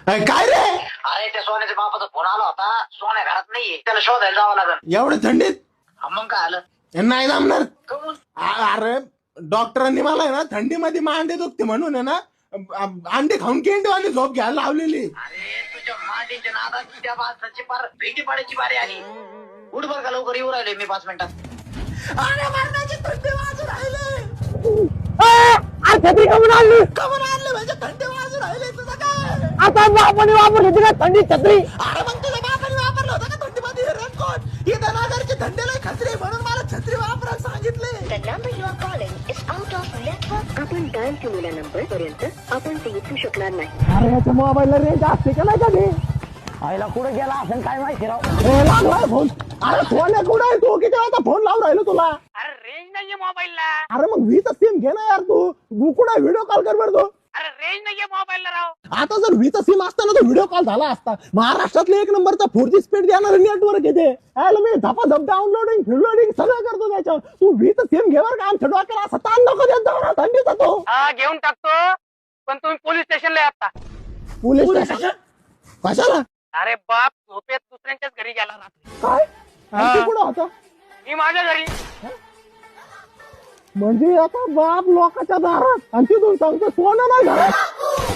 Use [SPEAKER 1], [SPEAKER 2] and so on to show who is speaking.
[SPEAKER 1] काय रे?
[SPEAKER 2] अरे त्या सोन्याच्या बापाचा फोन आला होता, सोन्या घरात नाहीये, त्याला शोधायला जावं लागेल.
[SPEAKER 1] एवढ्या थंडीत
[SPEAKER 2] मग काय आलं?
[SPEAKER 1] नाही जमणार.
[SPEAKER 2] कमून?
[SPEAKER 1] अरे डॉक्टरांनी मला आहे ना थंडीमध्ये मांडे दुखते म्हणून आहे ना अंडे खाऊन केंडवानी झोप घ्यायला लावलेली.
[SPEAKER 2] अरे तुझ्या मांडीच्या नादात त्या माणसाची पार भेटी पाडायची बारी आली. उठ बर का लवकर, येऊ राहिले मी 5 मिनिटात.
[SPEAKER 1] अरे मरणाची थंडी वाजून राहिले. छत्री कमून आणली म्हणजे थंडी वाजून राहिले तुझं काय? आता बापाने वापरली होती का थंडी छत्री? अरे मग तुझ्या बापाने वापरलं होतं का थंडीमध्ये रेनकोट? इथं नागरची थंडीला खत्री म्हणून मला छत्री वापरायला सांगितले.
[SPEAKER 3] The number you are calling is out of network. आपण डायल केलेल्या नंबर पर्यंत आपण ते उचलू शकणार नाही.
[SPEAKER 1] अरे याच्या मोबाईलला रेंज असते का नाही कधी?
[SPEAKER 4] आईला कुठे गेला असेल काय माहिती राव.
[SPEAKER 1] लागलाय फोन. अरे फोन कुठं आहे तू? किती वेळा फोन लावून राहिलो तुला?
[SPEAKER 4] अरे रेंज नाहीये मोबाईलला.
[SPEAKER 1] अरे मग वीचा सिम घे ना यार तू कुठं व्हिडिओ कॉल कर बरं तो.
[SPEAKER 4] अरे रेंज नाहीये मोबाईलला राव.
[SPEAKER 1] आता जर वीचा सिम असताना तो व्हिडिओ कॉल झाला असता. महाराष्ट्रातले 1 नंबरचा 4G स्पीड देणारं नेटवर्क येते. मी झपाझप डाउनलोडिंग फिडलोडिंग सगळं करतो त्याच्यावर. तू वीचा सिम घेवर का आमच्या डोक्याला असा ताण नको देत जाऊ ना थंडीचा तो.
[SPEAKER 4] हा घेऊन टाकतो, पण तुम्ही पोलीस स्टेशनला या आता.
[SPEAKER 1] पोलीस स्टेशन कशाला?
[SPEAKER 4] अरे बाप झोपेत दुसऱ्यांच्याच घरी गेला रात्री.
[SPEAKER 1] काय? आणि तू कुठं होता?
[SPEAKER 4] मी माझ्या घरी.
[SPEAKER 1] म्हणजे आता बाप लोकांच्या दारात आणि तिथून सांगतो सोनं नाही घरात.